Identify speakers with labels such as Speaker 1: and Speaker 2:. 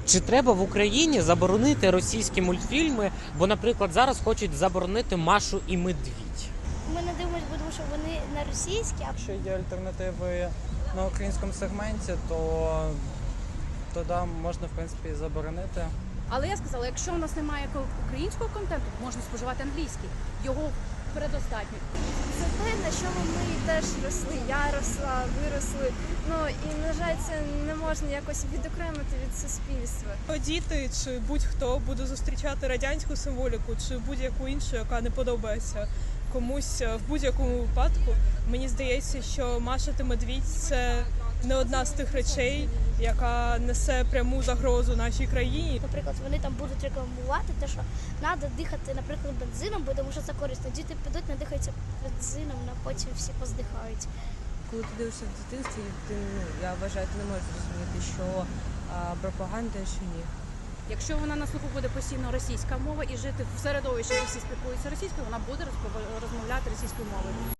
Speaker 1: Чи треба в Україні заборонити російські мультфільми? Бо, наприклад, зараз хочуть заборонити Машу і Медвідь.
Speaker 2: Ми не дивимося, тому що вони на російські, а
Speaker 3: Якщо є альтернативи на українському сегменті, то тоді можна, в принципі, і заборонити.
Speaker 4: Але я сказала, якщо у нас немає українського контенту, можна споживати англійський. Його предостатньо.
Speaker 5: Це те, на чому ми теж росли. Я росла, виросли. Ну і на жаль, це не можна якось відокремити від суспільства.
Speaker 6: Діти чи будь-хто буде зустрічати радянську символіку чи будь-яку іншу, яка не подобається комусь в будь-якому випадку. Мені здається, що Маша та Медвідь – це не одна з тих речей, яка несе пряму загрозу нашій країні.
Speaker 2: наприклад, вони там будуть рекламувати те, що треба дихати, наприклад, бензином, бо тому що це корисно. Діти підуть, надихаються бензином, а потім всі поздихають.
Speaker 7: Коли ти дивишся в дитинстві, я вважаю, ти не можеш зрозуміти, що пропаганда, що ні.
Speaker 4: Якщо вона на слуху буде постійно російська мова і жити в середовищі, де всі спілкуються російською, вона буде розмовляти російською мовою.